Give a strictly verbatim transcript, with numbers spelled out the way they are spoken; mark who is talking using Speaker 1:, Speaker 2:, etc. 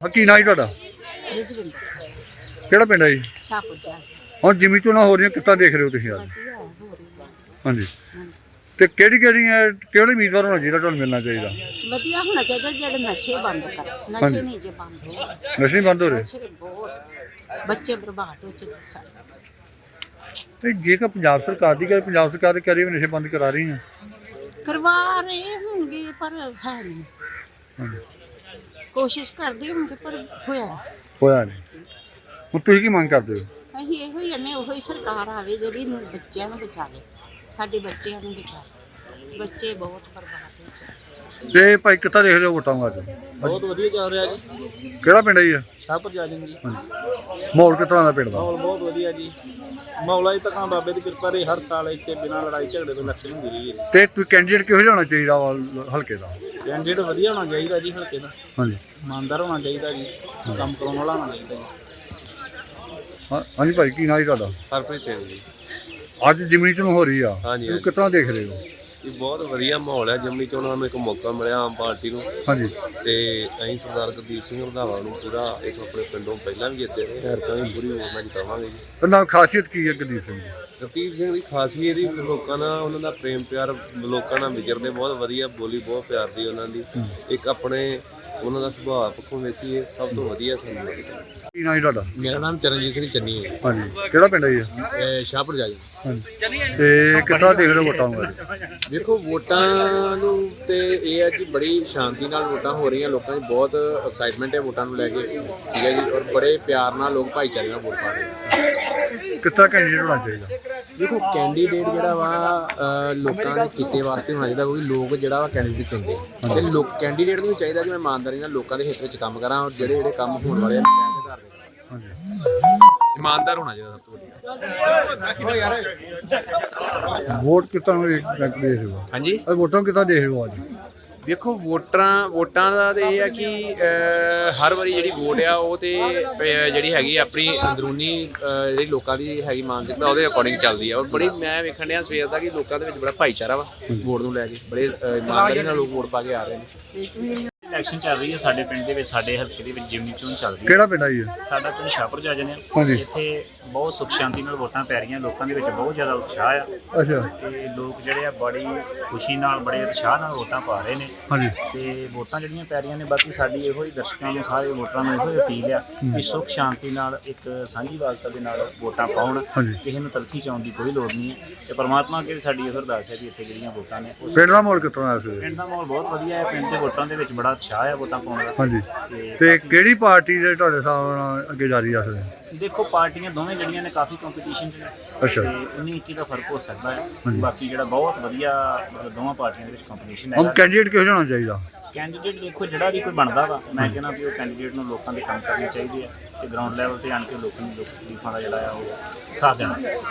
Speaker 1: ਕੀ ਨਾਂ ਜੀ ਤੁਹਾਡਾ? ਕਿਹੜਾ ਪਿੰਡ ਹੈ ਜੀ? ਹੁਣ ਜਿਮਨੀ ਚੋਣਾਂ ਹੋ ਰਹੀਆਂ, ਕਿੱਦਾਂ ਦੇਖ ਰਹੇ ਹੋ ਤੁਸੀਂ ਅੱਜ? ਹਾਂਜੀ, ਤੇ ਕਿਹੜੀ ਕਿਹੜੀ ਕਿਹੜੇ ਉਮੀਦਵਾਰ ਹੋਣਾ ਚਾਹੀਦਾ ਤੁਹਾਨੂੰ ਮਿਲਣਾ ਚਾਹੀਦਾ?
Speaker 2: ਵਧੀਆ ਹੋਣਾ ਚਾਹੀਦਾ ਜਿਹੜੇ ਨਸ਼ੇ ਬੰਦ ਕਰ, ਨਸ਼ੇ ਨਹੀਂ ਜੇ ਬੰਦ ਹੋ
Speaker 1: ਨਸ਼ੇ ਬੰਦ ਹੋ ਰਹੇ?
Speaker 2: ਨਸ਼ੇ ਬਹੁਤ ਬੱਚੇ ਬਰਬਾਦ ਹੋ ਚੁੱਕੇ ਸਾਰੇ।
Speaker 1: ਤੇ ਜੇਕਰ ਪੰਜਾਬ ਸਰਕਾਰ ਦੀ ਗੱਲ, ਪੰਜਾਬ ਸਰਕਾਰ ਤੇ ਕਹਿ ਰਹੀ ਹੈ ਨਸ਼ੇ ਬੰਦ ਕਰਾ ਰਹੀ ਹੈ,
Speaker 2: ਕਰਵਾ ਰਹੇ ਹੋਣਗੇ ਪਰ ਹੈ ਨਹੀਂ। ਕੋਸ਼ਿਸ਼ ਕਰਦੇ ਹੋਣਗੇ ਪਰ ਹੋਇਆ ਨਹੀਂ।
Speaker 1: ਹੋਇਆ ਨਹੀਂ। ਹੁਣ ਤੁਸੀਂ ਕੀ ਮੰਗ ਕਰਦੇ ਹੋ?
Speaker 2: ਅਸੀਂ ਇਹੋ ਹੀ ਨੇ, ਉਹੀ ਸਰਕਾਰ ਆਵੇ ਜਿਹੜੀ ਬੱਚਿਆਂ ਨੂੰ ਬਚਾਵੇ, ਸਾਡੇ ਬੱਚਿਆਂ ਨੂੰ ਬਚਾਵੇ। ਬੱਚੇ ਬਹੁਤ ਬਰਬਾਦ ਹੋ ਚੁੱਕੇ।
Speaker 1: ਤੇ ਭਾਈ ਕਿੱਦਾਂ ਦੇਖ ਰਹੇ ਹੋ ਵੋਟਾਂ ਨੂੰ ਅੱਜ?
Speaker 3: ਬਹੁਤ ਵਧੀਆ ਚੱਲ ਰਿਹਾ ਜੀ।
Speaker 1: ਕਿਹੜਾ ਪਿੰਡ ਹੈ ਜੀ?
Speaker 3: ਸ਼ਾਹਪੁਰ ਜਾ ਜੀ।
Speaker 1: ਮਾਹੌਲ ਕਿਸ ਤਰ੍ਹਾਂ ਦਾ ਪਿੰਡ ਦਾ?
Speaker 3: ਮਾਹੌਲ ਬਹੁਤ ਵਧੀਆ ਜੀ। ਮੌਲਾ ਜੀ ਤਾਂ ਬਾਬੇ ਦੀ ਕਿਰਪਾ ਰਹੀ, ਹਰ ਸਾਲ ਇੱਥੇ ਬਿਨਾਂ ਲੜਾਈ ਝਗੜੇ ਤੋਂ ਇਲੈਕਸ਼ਨ ਹੁੰਦੀ ਰਹੀ ਹੈ।
Speaker 1: ਤੇ ਕੋਈ ਕੈਂਡੀਡੇਟ ਕਿਹੋ ਜਿਹਾ ਹੋਣਾ ਚਾਹੀਦਾ ਵਾ ਹਲਕੇ ਦਾ?
Speaker 3: ਕੈਂਡੀਡੇਟ ਵਧੀਆ ਹੋਣਾ ਚਾਹੀਦਾ ਜੀ ਹਲਕੇ ਦਾ।
Speaker 1: ਹਾਂਜੀ,
Speaker 3: ਇਮਾਨਦਾਰ ਹੋਣਾ ਚਾਹੀਦਾ ਜੀ, ਕੰਮ ਕਰਾਉਣ ਵਾਲਾ ਹੋਣਾ ਚਾਹੀਦਾ ਜੀ।
Speaker 1: ਹਾਂ ਹਾਂਜੀ ਭਾਈ, ਕੀ ਨਾਂ ਜੀ ਤੁਹਾਡਾ?
Speaker 4: ਹਰਪ੍ਰੀਤ ਸਿੰਘ ਜੀ।
Speaker 1: ਅੱਜ ਜਿਮਨੀ ਚੋਣ ਹੋ ਰਹੀ ਆ,
Speaker 4: ਹਾਂਜੀ,
Speaker 1: ਤੁਸੀਂ ਕਿਸ ਤਰ੍ਹਾਂ ਦੇਖ ਰਹੇ ਹੋ?
Speaker 4: ਇਹ ਬਹੁਤ ਵਧੀਆ ਮਾਹੌਲ ਹੈ। ਜਿਮਨੀ ਚੋਣਾਂ ਨੂੰ ਇੱਕ ਮੌਕਾ ਮਿਲਿਆ ਆਮ ਪਾਰਟੀ ਨੂੰ,
Speaker 1: ਹਾਂਜੀ,
Speaker 4: ਤੇ ਅਸੀਂ ਸਰਦਾਰ ਗੁਰਦੀਪ ਸਿੰਘ ਰੰਧਾਵਾ ਨੂੰ ਪੂਰਾ ਇੱਕ ਆਪਣੇ ਪਿੰਡੋਂ ਪਹਿਲਾਂ ਵੀ ਜਿੱਤੇ ਨੇ, ਐਰਕਾਂ ਵੀ ਪੂਰੀ ਹੋਰ ਨਾਲ ਜਿਤਾਵਾਂਗੇ ਜੀ।
Speaker 1: ਇਹਦਾ ਖਾਸੀਅਤ ਕੀ ਹੈ ਗੁਰਦੀਪ ਸਿੰਘ ਦੀ?
Speaker 4: ਗੁਰਦੀਪ ਸਿੰਘ ਦੀ ਖਾਸੀਅਤ ਹੀ ਲੋਕਾਂ ਨਾਲ ਉਹਨਾਂ ਦਾ ਪ੍ਰੇਮ ਪਿਆਰ, ਲੋਕਾਂ ਨਾਲ ਵਿਚਰਦੇ ਬਹੁਤ ਵਧੀਆ, ਬੋਲੀ ਬਹੁਤ ਪਿਆਰ ਦੀ ਉਹਨਾਂ ਦੀ। ਇੱਕ ਆਪਣੇ ਉਹਨਾਂ ਦਾ ਸੁਭਾਅ ਪੱਖੋਂ ਵੇਖੀਏ ਸਭ ਤੋਂ ਵਧੀਆ ਸਾਨੂੰ ਲੱਗਦਾ।
Speaker 1: ਕੀ ਨਾਂ ਜੀ ਤੁਹਾਡਾ?
Speaker 3: ਮੇਰਾ ਨਾਮ ਚਰਨਜੀਤ ਸਿੰਘ ਚੰਨੀ ਹੈ।
Speaker 1: ਹਾਂਜੀ, ਕਿਹੜਾ ਪਿੰਡ ਹੈ ਜੀ?
Speaker 3: ਸ਼ਾਹਪੁਰ ਜਾ ਜੀ।
Speaker 1: ਹਾਂਜੀ, ਤੇ ਕਿੱਦਾਂ ਦੇਖ ਰਹੇ ਹੋ ਵੋਟਾਂ ਨੂੰ ਅੱਜ?
Speaker 3: ਦੇਖੋ ਵੋਟਾਂ ਨੂੰ ਤੇ ਇਹ ਹੈ ਕਿ ਬੜੀ ਸ਼ਾਂਤੀ ਨਾਲ ਵੋਟਾਂ ਹੋ ਰਹੀਆਂ, ਲੋਕਾਂ 'ਚ ਬਹੁਤ ਐਕਸਾਈਟਮੈਂਟ ਹੈ ਵੋਟਾਂ ਨੂੰ ਲੈ ਕੇ, ਠੀਕ ਹੈ ਜੀ। ਔਰ ਬੜੇ ਪਿਆਰ ਨਾਲ ਲੋਕ ਭਾਈਚਾਰੇ ਨਾਲ ਵੋਟ ਪਾ ਰਹੇ ਆ।
Speaker 1: ਕਿੱਦਾਂ ਕੈਂਡੀਡੇਟ ਹੋਣਾ ਚਾਹੀਦਾ?
Speaker 3: ਦੇਖੋ ਕੈਂਡੀਡੇਟ ਜਿਹੜਾ ਵਾ ਲੋਕਾਂ ਦੇ ਕਿੱਤੇ ਵਾਸਤੇ ਹੋਣਾ ਚਾਹੀਦਾ, ਕਿਉਂਕਿ ਲੋਕ ਜਿਹੜਾ ਵਾ ਕੈਂਡੀਡੇਟ ਚੁਣਦੇ ਆ, ਤੇ ਲੋਕ ਕੈਂਡੀਡੇਟ ਨੂੰ ਵੀ ਚਾਹੀਦਾ ਕਿ ਮੈਂ ਇਮਾਨਦਾਰੀ ਨਾਲ ਲੋਕਾਂ ਦੇ ਹਿੱਤ ਵਿੱਚ ਕੰਮ ਕਰਾਂ, ਔਰ ਜਿਹੜੇ ਜਿਹੜੇ ਕੰਮ ਹੋਣ ਵਾਲੇ ਆ ਦੇ ਘਰ ਦੇ
Speaker 1: ਹਾਂਜੀ,
Speaker 3: ਇਮਾਨਦਾਰ ਹੋਣਾ ਚਾਹੀਦਾ ਸਭ ਤੋਂ ਵੱਡਾ।
Speaker 1: ਵੋਟ ਕਿੱਦਾਂ ਦੇਖ ਰਹੇ ਹੋ?
Speaker 3: ਹਾਂਜੀ,
Speaker 1: ਅੱਜ ਵੋਟਾਂ ਕਿੱਦਾਂ ਦੇਖ ਰਹੇ ਹੋ ਅੱਜ?
Speaker 3: ਵੇਖੋ ਵੋਟਰਾਂ ਵੋਟਾਂ ਦਾ ਤਾਂ ਇਹ ਆ ਕਿ ਹਰ ਵਾਰੀ ਜਿਹੜੀ ਵੋਟ ਆ ਉਹ ਤੇ ਜਿਹੜੀ ਹੈਗੀ ਆਪਣੀ ਅੰਦਰੂਨੀ ਜਿਹੜੀ ਲੋਕਾਂ ਦੀ ਹੈਗੀ ਮਾਨਸਿਕਤਾ ਉਹਦੇ ਅਕੋਰਡਿੰਗ ਚੱਲਦੀ ਆ। ਔਰ ਬੜੀ ਮੈਂ ਵੇਖਣ ਡਿਆ ਸਵੇਰ ਦਾ ਕਿ ਲੋਕਾਂ ਦੇ ਵਿੱਚ ਬੜਾ ਭਾਈਚਾਰਾ ਵਾ ਵੋਟ ਨੂੰ ਲੈ ਕੇ, ਬੜੇ ਇਮਾਨਦਾਰੀ ਨਾਲ ਲੋਕ ਵੋਟ ਪਾ ਕੇ ਆ ਰਹੇ ਨੇ।
Speaker 5: ਇਲੈਕਸ਼ਨ ਚੱਲ ਰਹੀ ਹੈ ਸਾਡੇ ਪਿੰਡ ਦੇ ਵਿੱਚ, ਸਾਡੇ ਹਲਕੇ ਦੇ ਵਿੱਚ ਜਿਮਨੀ ਚੋਣ ਚੱਲ ਰਹੀ ਹੈ।
Speaker 1: ਕਿਹੜਾ ਪਿੰਡ ਹੈ ਜੀ?
Speaker 5: ਸਾਡਾ ਪਿੰਡ ਸ਼ਾਹਪੁਰ ਜਾ ਜਾਂਦੇ ਆ। ਇੱਥੇ ਬਹੁਤ ਸੁੱਖ ਸ਼ਾਂਤੀ ਨਾਲ ਵੋਟਾਂ ਪੈ ਰਹੀਆਂ, ਲੋਕਾਂ ਦੇ ਵਿੱਚ ਬਹੁਤ ਜ਼ਿਆਦਾ ਉਤਸ਼ਾਹ ਆ।
Speaker 1: ਅੱਛਾ,
Speaker 5: ਤੇ ਲੋਕ ਜਿਹੜੇ ਆ ਬੜੀ ਖੁਸ਼ੀ ਨਾਲ, ਬੜੇ ਉਤਸ਼ਾਹ ਨਾਲ ਵੋਟਾਂ ਪਾ ਰਹੇ ਨੇ।
Speaker 1: ਹਾਂਜੀ,
Speaker 5: ਤੇ ਵੋਟਾਂ ਜਿਹੜੀਆਂ ਪੈ ਰਹੀਆਂ ਨੇ, ਬਾਕੀ ਸਾਡੀ ਇਹੋ ਹੀ ਦਰਸ਼ਕਾਂ ਨੂੰ, ਸਾਰੇ ਵੋਟਰਾਂ ਨੂੰ ਇਹੋ ਹੀ ਅਪੀਲ ਆ ਕਿ ਸੁੱਖ ਸ਼ਾਂਤੀ ਨਾਲ ਇੱਕ ਸਾਂਝੀਵਾਲਤਾ ਦੇ ਨਾਲ ਵੋਟਾਂ ਪਾਉਣ। ਕਿਸੇ ਨੂੰ ਤਲਖੀ ਚਾਉਣ ਦੀ ਕੋਈ ਲੋੜ ਨਹੀਂ ਹੈ। ਤੇ ਪਰਮਾਤਮਾ ਅੱਗੇ ਸਾਡੀ ਇਹ ਅਰਦਾਸ ਹੈ ਵੀ ਇੱਥੇ ਜਿਹੜੀਆਂ ਵੋਟਾਂ ਨੇ,
Speaker 1: ਪਿੰਡ ਦਾ ਮਾਹੌਲ ਕਿਸ ਤਰ੍ਹਾਂ ਹੈ?
Speaker 5: ਪਿੰਡ ਦਾ ਮਾਹੌਲ ਬਹੁਤ ਵਧੀਆ ਹੈ। ਪਿੰਡ ਦੇ ਵੋਟਰਾਂ ਦੇ ਵਿੱਚ ਬੜਾ ਉਤਸ਼ਾਹ ਹੈ ਵੋਟਾਂ ਪਾਉਣ ਦਾ।
Speaker 1: ਹਾਂਜੀ, ਤੇ ਕਿਹੜੀ ਪਾਰਟੀ ਦੇ ਤੁਹਾਡੇ ਹਿਸਾਬ ਨਾਲ ਅੱਗੇ ਜਾ ਰਹੀ ਆ?
Speaker 5: ਦੇਖੋ ਪਾਰਟੀਆਂ ਦੋਵੇਂ ਜਿਹੜੀਆਂ ਨੇ ਕਾਫੀ ਕੰਪੀਟੀਸ਼ਨ 'ਚ ਨੇ।
Speaker 1: ਅੱਛਾ,
Speaker 5: ਤੇ ਉੱਨੀ ਇੱਕੀ ਦਾ ਫਰਕ ਹੋ ਸਕਦਾ ਹੈ। ਬਾਕੀ ਜਿਹੜਾ ਬਹੁਤ ਵਧੀਆ ਮਤਲਬ ਦੋਵਾਂ ਪਾਰਟੀਆਂ ਦੇ ਵਿੱਚ ਕੰਪੀਟੀਸ਼ਨ
Speaker 1: ਹੁਣ
Speaker 5: ਹੈ।
Speaker 1: ਕੈਂਡੀਡੇਟ ਕਿਹੋ ਜਿਹਾ ਹੋਣਾ ਚਾਹੀਦਾ?
Speaker 5: ਕੈਂਡੀਡੇਟ ਦੇਖੋ ਜਿਹੜਾ ਵੀ ਕੋਈ ਬਣਦਾ ਵਾ, ਮੈਂ ਕਹਿੰਦਾ ਵੀ ਉਹ ਕੈਂਡੀਡੇਟ ਨੂੰ ਲੋਕਾਂ ਦੇ ਕੰਮ ਕਰਨੇ ਚਾਹੀਦੇ ਆ ਤੇ ਗਰਾਊਂਡ ਲੈਵਲ ਤੇ ਆਣ ਕੇ ਲੋਕਾਂ ਨੂੰ ਦੁੱਖ ਤਕਲੀਫਾਂ ਦਾ ਜਿਹੜਾ ਆ ਉਹ ਸਾਥ ਦੇਣਾ।